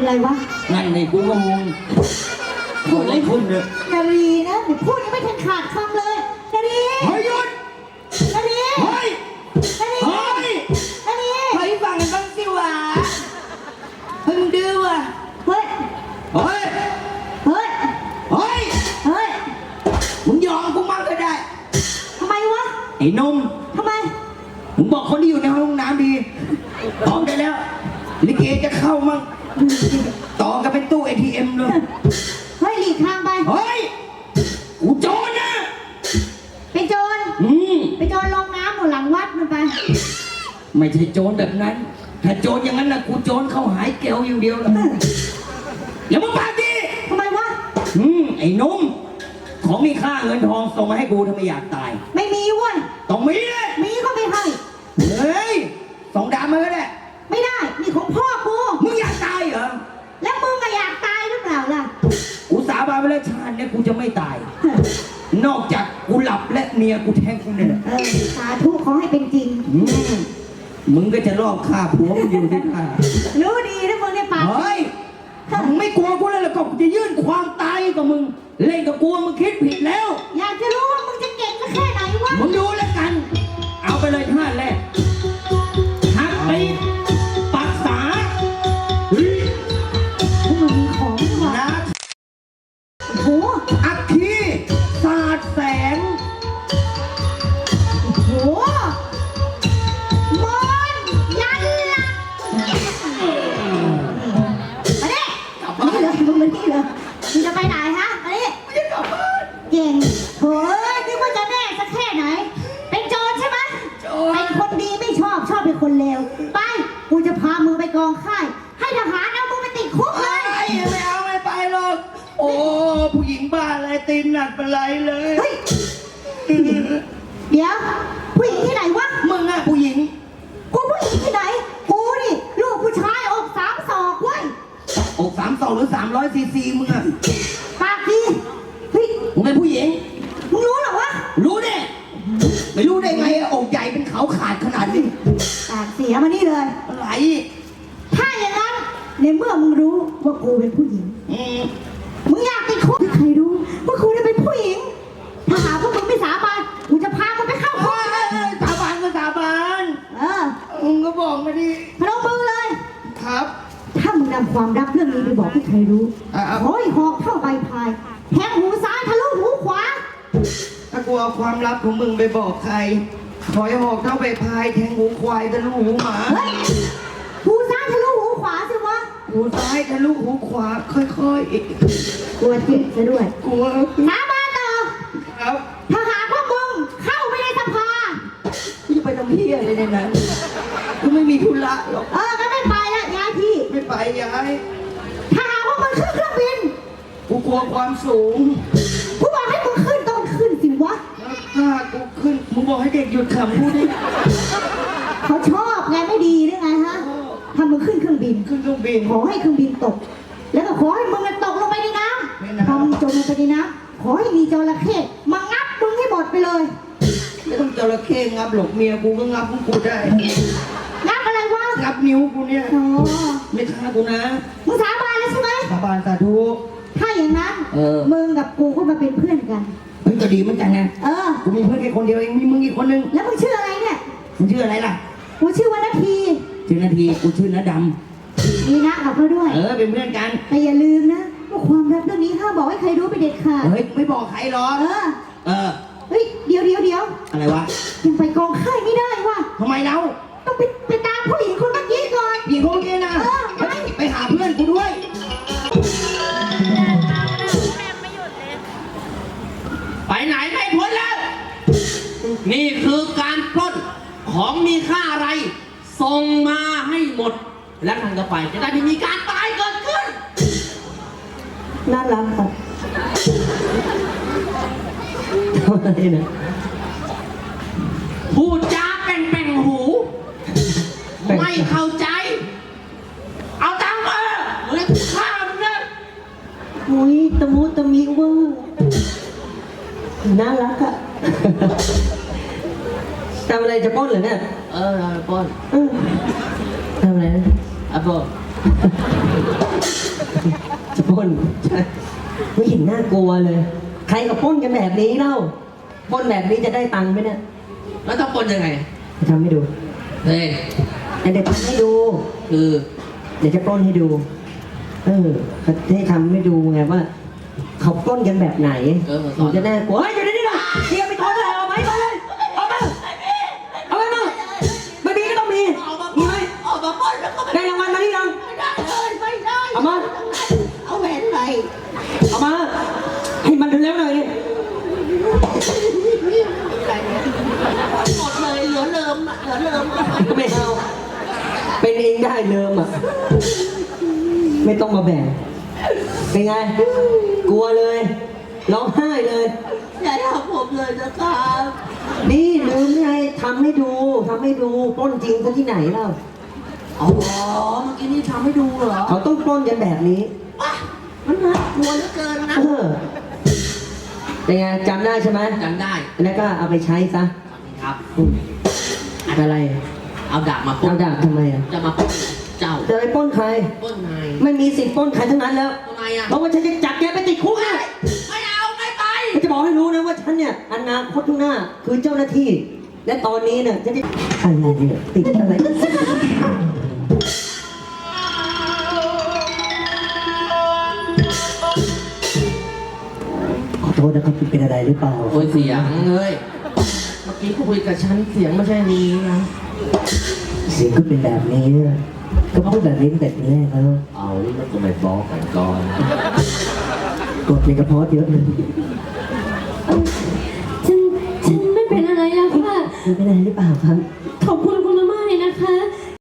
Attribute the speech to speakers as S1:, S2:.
S1: อะไรวะ
S2: นั่นในกูก็งงโอะไรขึ้นเนี่ย
S1: นารีนะเดี๋ยวพูดยังไม่ทันขาดคำเลยนารี
S2: เฮ้ยหยุด
S1: นารี
S2: เฮ้ย
S1: นารี
S2: เฮ้ย
S1: นารี
S2: เฮ้ยฟังกันบ้างสิวะเฮ้ยมึงดื้อว่ะ
S1: เฮ้ย
S2: เฮ้ย
S1: เฮ้ย
S2: เฮ้ย
S1: เฮ้ย
S2: มึงยอมกูมั่งก็ได้
S1: ทำไมวะ
S2: ไอ้นม
S1: ทำไม
S2: มึงบอกคนที่อยู่ในห้องน้ำดีพร้อมได้แล้วลิเกจะเข้ามั่งต่อกันเป็นตู้ ATM เลย
S1: เฮ้ยหลีกทางไป
S2: เฮ้ยกูโจรนะ
S1: เป็นโจรเป็นโจรลงน้ำหมดหลังวัดมันไป
S2: ไม่ใช่โจรแบบนั้นถ้าโจรอย่างนั้นนะกูโจรเข้าหายแก้วอย่างเดียวแล้วอย่ามาปากดี
S1: ทำไมวะ
S2: ไอ้นุ่มของมีค่าเงินทองส่งมาให้กูถ้าไม่อยากตาย
S1: ไม่มีเว้ย
S2: ต้องมีเลย
S1: มีก็ไม่ให้
S2: เฮ้ยส่งดามมาก็ได้
S1: ไม่ได้นี่ของพ่อกู
S2: มึงอยากตายเหรอ
S1: แล้วมึงก็อยากตายหรือเปล่าล่ะ
S2: กูสาบานไปแล้วชาติเนี่ยกูจะไม่ตายนอกจากกูหลับและเมียกูแทงกูเนี่ย
S1: สาธุขอให้เป็นจริง
S2: มึงก็จะรอบฆ่าผัวมึงอยู่ที่ท่า
S1: รู้ดีนะมึงเนี่ยปาก
S2: เฮ้ยมึงไม่กลัวกูเลยแล้วก็จะยื่นความตายกับมึงเล่นกับกูมึงคิดผิดแล้ว
S1: อยากจะรู้ว่ามึงจะเก่งสักแค่ไหนวะ
S2: มึงดูแล้วกันเอาไปเลยท่าแรกหักไปปักษา
S1: พวกมึงมีของใช่ไหม
S2: นะ
S1: โอ้โห
S2: อัคคีศาสตร์แสง
S1: โอ้โหมอนยันละมาดินี่เลยมึงมานี่เลยมึงจะไปไหนฮะมาดิเก่งโถ่นึกว่าจะแน่สักแค่ไหนเป็นโจรใช่ไหมเป็นคนดีไม่ชอบเป็นคนเลวไปกูจะพามึงไปกองค่ายให้ทหารเอามึงไปติดคุกเลย
S2: ไม่เอาไม่ไปหรอกโอ้ผู้หญิงบ้าอะไรตีนหนักเป็นไรเลย
S1: เฮ้ยเดี๋ยวผู้หญิงที่ไหนวะ
S2: มึงอะผู้หญิง
S1: กูผู้หญิงที่ไหนกูนี่ลูกผู้ชายอก3 ศอกเว้ย
S2: อก3 ศอกหรือ300 ซีซีมึงอะ
S1: ปากดีเฮ้ย
S2: มึงเป็นผู้หญิง
S1: มึงรู้เหรอวะ
S2: รู้ดิไม่รู้ได้ไงอกใหญ่เป็นเขาขาดขนาดนี้
S1: ปากเสียมานี่เลย
S2: อะไร
S1: ถ้าอย่างนั้นในเมื่อมึงรู้ว่ากูเป็นผู้หญิงมึงอยากติดคุกใครรู้ว่ากูเนี่ยเป็นผู้หญิงถ้าหาพวกมึงไม่สาบานกูจะพามึงไปเข้าคุก
S2: สาบานก็สาบานมึงก็บอกมาดิ
S1: พนมมือเลย
S2: ครับ
S1: ถ้ามึงนำความลับเรื่องนี้ไปบอกให้ใครรู้ขอให้หอกเท่าใบพายแทงหูซ้ายทะลุหูขวา
S2: ถ้ากูเอาความลับของมึงไปบอกใครขอให้หอกเท่าใบพายแทงหูควายทะลุหูหมา
S1: หูซ้ายทะลุหูขวาสิวะ
S2: หูซ้ายทะลุหูขวาค่อย
S1: ๆกลัวเจ็บซะด้วย
S2: กลัว
S1: สาบานต่อ
S2: ครับ
S1: ถ้าหากพวกมึงเข้าไปในสภา
S2: จะไปทำเพี้ยอะไรในนั้นกูไม่มีธุระหรอก
S1: ก็ไม่ไปละย้ายที่
S2: ไม่ไปย้าย
S1: ถ้าหากพวกมึงขึ้นเครื่องบิน
S2: กูกลัวความสูง
S1: กูบอกให้มึงขึ้นต้องขึ้นสิวะ
S2: ถ้ากูขึ้นมึงบอกให้เด็กหยุดขำพูดดิ
S1: เขาชอบไงไม่ดีหรือไงฮะถ้ามึงขึ้นเครื่องบินขอให้เครื่องบินตกแล้วก็ขอให้มึงตกลงไปในน้ำพอมึงจมลงไปในน้ำขอให้มีจระเข้มางับมึงให้หมดไปเลย
S2: ไม่ต้องจระเข้งับหลกเมียกูก็งับกูได้
S1: งับอะไรวะ
S2: งับนิ้วกูเนี่ยไม่ฆ่ากูนะ
S1: มึงสาบานแล้วใช่ไหม
S2: สาบานสาธุ
S1: ถ้าอย่างนั้นมึงกับกูก็มาเป็นเพื่อนกัน
S2: เฮ้ยก็ดีเหมือนกันไงกูมีเพื่อนแค่คนเดียวเองมีมึงอีกคนนึง
S1: แล้วมึงชื่ออะไรเนี่ย
S2: มึงชื่ออะไรล่ะ
S1: กูชื่อว่านาที
S2: ชื่อนาทีกูชื่อนาดำ
S1: มีนะกับเขาด้วย
S2: เป็นเพื่อนกัน
S1: แต่อย่าลืมนะว่าความลับเรื่องนี้ห้ามบอกให้ใครรู้ไปเด็ดขาด
S2: เฮ้ยไม่บอกใครหรอก
S1: เฮ้ยเดี๋ยว
S2: อะไรวะ
S1: ยังไปกองค่ายไม่ได้วะ
S2: ทำไมเรา
S1: ต้องไปตามผู้หญิงคนเมื่อกี้ก่อน
S2: หญิงคนเมื่อกี้นะไปหาเพื่อนกูด้วยไปไหนไม่พ้นแล้วนี่คือการปล้นของมีค่าอะไรส่งมาให้หมดและทางต่อไปจะได้ไม่มีการตายเกิดขึ้น
S1: น่ารักค่ะ
S2: อะไรนะพูดจาแป่งหูไม่เข้าใจเอาตังค์มาเรียกข้ามึงนะ
S1: มุ้ยตะมุตะมิเวอร์น่ารักอะ
S3: ทำอะไรจะป้นเหรอเนี่ย
S2: เราจะป้น
S3: ทำอะไรนะ
S2: อ่ะป้น
S3: จะปล้นไม่เห็นน่ากลัวเลย ใครก็ปล้นกันแบบนี้เล่าปล้นแบบนี้จะได้ตังค์ไหมเนี่ย
S2: แล้วต้องปล้นยังไง
S3: จะทำให้ดู
S2: เฮ้ย
S3: เดี๋ยวทำให้ดู
S2: คือ
S3: เดี๋ยวจะปล้นให้ดู เขาให้ทำให้ดูไงว่า เขาปล้นกันแบบไหนหนูจะน่ากลัวเฮ้ยอยู่ในนี่หน่อยเทียบไปทอนอะไรเอาไหมมาเลยเอามาเอาไปมาไม่มีก็ต้องมีมีไหม
S1: ออกมาปล้นแล้วก็ไม่
S3: ได้รางวัลมาหรือยัง
S1: ได้เลยไม่ได้
S3: เอามา
S1: เอาแหวนไป
S3: เอามาให้มันเร็วๆหน่อยดิ
S1: หมดเลยเหลือเลิมอะเหลือเลิมอะ
S3: ไม่เอาเป็นเองได้เลิมอ่ะไม่ต้องมาแบ่งเป็นไง กลัวเลยร้องไห้เลย
S1: อย่าทำผมเลยนะครับ
S3: นี่ลืมไงทำให้ดูปล้นจริงซะที่ไหนเล่า
S1: อ๋อเมื่อกี้นี่ทำให้ดูเหรอ
S3: เขาต้องปล้นกันแบบนี้
S1: ว้ามันน่ากลัวเหลือเกินนะ
S3: เป็นไงจำได้ใช่ไหม
S2: จำได้
S3: แล้วก็เอาไปใช้ซะ
S2: ครับ
S3: อืมอะไร
S2: เอาดาบมาปล้
S3: เอา
S2: น
S3: ดาบทำไมอ่ะ
S2: จะมาปล้นเจ้า
S3: จะไปปล้นใคร
S2: ปล้นนาย
S3: ไม่มีสิทธิ์ปล้นใครทั้งนั้นแล้ว
S2: ทำไมอ่ะ
S3: เพราะว่าฉันจะจับแกไปติดคุกนะ
S2: ไม่เอาไม่ไป
S3: ฉันจะบอกให้รู้นะว่าฉันเนี่ยอนาคตข้างหน้าคือเจ้าหน้าที่ และตอนนี้เนี่ยฉันจะอะไรเนี่ยติดอะไรขอโทษนะครับคุณเป็นอะไรหรือเปล่า
S2: โอ้ยเสียงเอ้ยเมื่อกี้คุยกับฉันเสียงไม่ใช่นี้นะ
S3: เสียงก็เป็นแบบนี้นะก็พูดแบบนี้ตั้งแต่ทีแรกแล้ว
S2: เอาแล้วก็ไม่บอกกันก่อน
S3: กดในกระเพาะเยอะเลย
S4: ฉันไม่เป็นอะไรแล้วค่ะ
S3: คุณเป็นอะไรหรือเปล่าครับ
S4: เขา